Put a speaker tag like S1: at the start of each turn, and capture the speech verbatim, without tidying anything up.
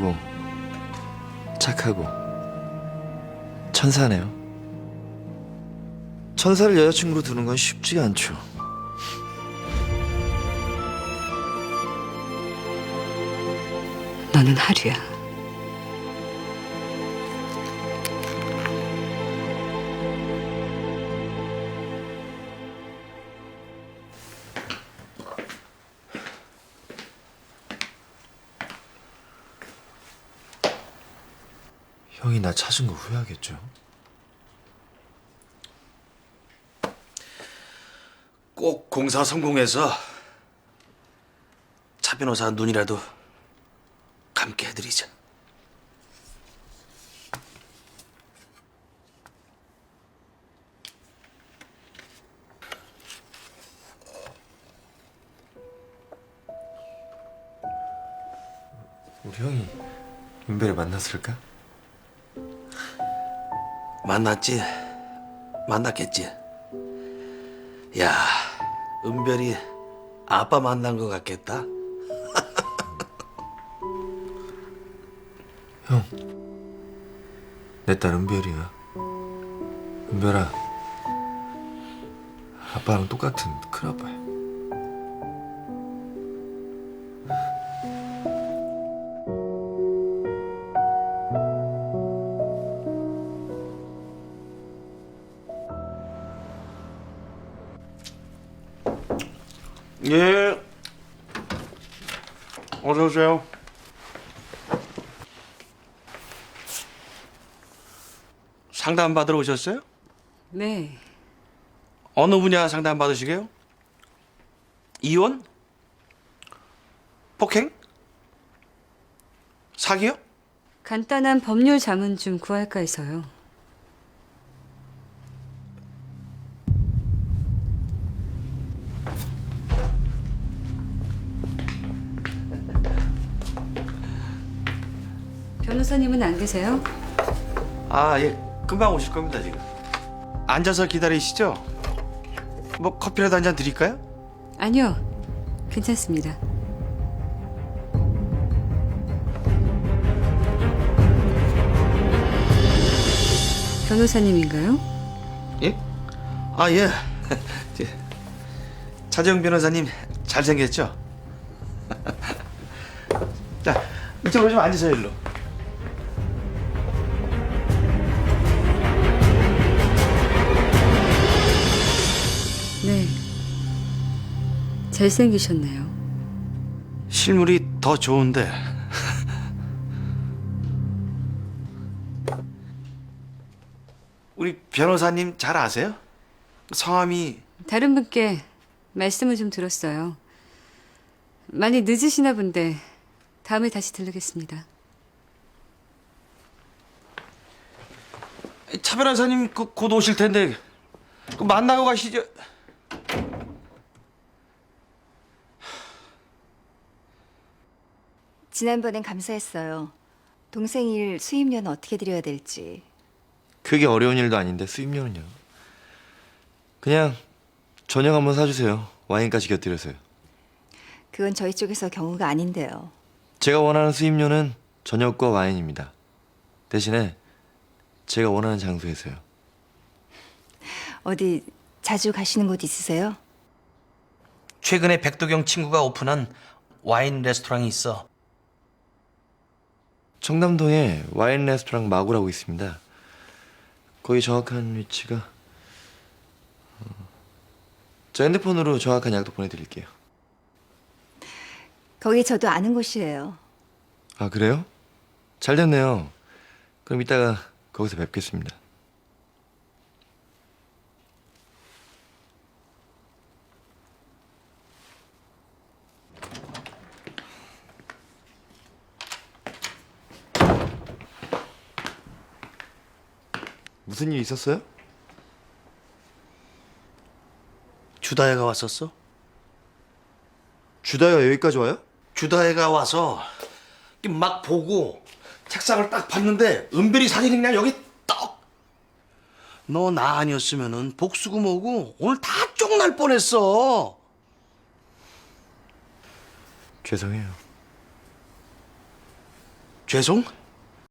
S1: 착하고 천사네요. 천사를 여자친구로 두는 건 쉽지가 않죠.
S2: 너는 하루야.
S1: 형이 나 찾은 거 후회하겠죠?
S3: 꼭 공사 성공해서 차 변호사 눈이라도 감게 해드리자.
S1: 우리 형이 은별을 만났을까?
S3: 만났지? 만났겠지? 야, 은별이 아빠 만난 것 같겠다?
S1: 형, 내 딸 은별이야. 은별아, 아빠랑 똑같은 큰아빠야.
S3: 예. 어서 오세요. 상담 받으러 오셨어요?
S2: 네.
S3: 어느 분야 상담 받으시게요? 이혼? 폭행? 사기요?
S2: 간단한 법률 자문 좀 구할까 해서요. 변호사님은 안 계세요?
S3: 아, 예. 금방 오실 겁니다, 지금. 앉아서 기다리시죠? 뭐 커피라도 한 잔 드릴까요?
S2: 아니요. 괜찮습니다. 변호사님인가요?
S3: 예? 아, 예. 차재영 변호사님 잘생겼죠? 자, 이쪽으로 좀 앉으세요, 일로.
S2: 네. 잘생기셨네요.
S3: 실물이 더 좋은데. 우리 변호사님 잘 아세요? 성함이
S2: 다른 분께 말씀을 좀 들었어요. 많이 늦으시나 본데 다음에 다시 들르겠습니다.
S3: 차 변호사님 그, 곧 오실 텐데 그 만나고 가시죠.
S4: 지난번엔 감사했어요. 동생 일 수임료는 어떻게 드려야 될지.
S1: 그게 어려운 일도 아닌데 수입료는요. 그냥 저녁 한번 사주세요. 와인까지 곁들여서요.
S4: 그건 저희 쪽에서 경우가 아닌데요.
S1: 제가 원하는 수입료는 저녁과 와인입니다. 대신에 제가 원하는 장소에서요.
S4: 어디 자주 가시는 곳 있으세요?
S3: 최근에 백도경 친구가 오픈한 와인 레스토랑이 있어.
S1: 청담동에 와인 레스토랑 마구라고 있습니다. 거기 정확한 위치가 어, 저 핸드폰으로 정확한 약도 보내드릴게요.
S4: 거기 저도 아는 곳이에요.
S1: 아, 그래요? 잘 됐네요. 그럼 이따가 거기서 뵙겠습니다. 무슨 일 있었어요?
S3: 주다혜가 왔었어?
S1: 주다이가 여기까지 와요?
S3: 주다혜가 와서 막 보고 책상을 딱 봤는데 은별이 사진이 그냥 여기 떡. 너 나 아니었으면은 복수고 뭐고 오늘 다 쪽날 뻔했어.
S1: 죄송해요.
S3: 죄송?